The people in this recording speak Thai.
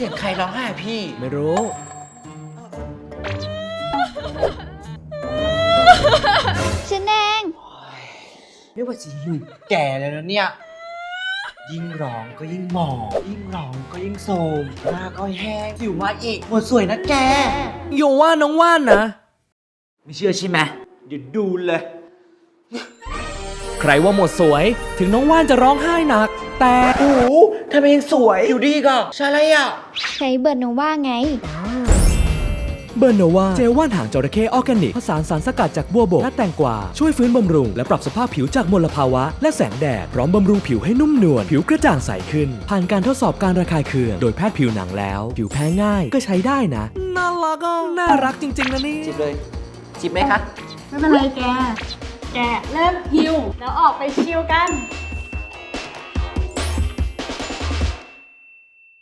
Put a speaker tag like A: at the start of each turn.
A: สียงใครร้องไห้อะพี่
B: ไม่รู้
C: ฉันเอง
A: ไม่ว่าจะหิวแก่แล้วนะเนี่ย ยิ่งร้องก็ยิ่งหมองยิ่งร้องก็ยิ่งโทรมหน้าก็แห้งผิวมาอีกหมดสวยนะแก
B: โยว่าน้องว่านนะ
A: ไม่เชื่อใช่ไหมเดี๋ยวดูเลย
B: ใครว่าหมดสวยถึงน้องว่านจะร้องไห้หนัก แต่
A: โอ้โหทำไมยังสวยอยู่ดีก็ใช่อะไรอ่ะ
C: ใช้เบอร์โนว่าไง
B: เบอร์โนวาเจลว่านหางจระเข้ออร์แกนิกผสานสารสกัดจากบัวบกและแตงกวาช่วยฟื้นบำรุงและปรับสภาพผิวจากมลภาวะและแสงแดดพร้อมบำรุงผิวให้นุ่มนวลผิวกระจ่างใสขึ้น ผ่านการทดสอบการระคายเคืองโดยแพทย์ผิวหนังแล้ว ผิวแพ้ง่ายก็ใช้ได้นะน่ารักอ่ะน่ารักจริงๆนะนี่
A: จิบเลย จิบไหมคะ
D: ไม่เป็นไรแก แกเริ่มหิวแล้วออกไปชิลกัน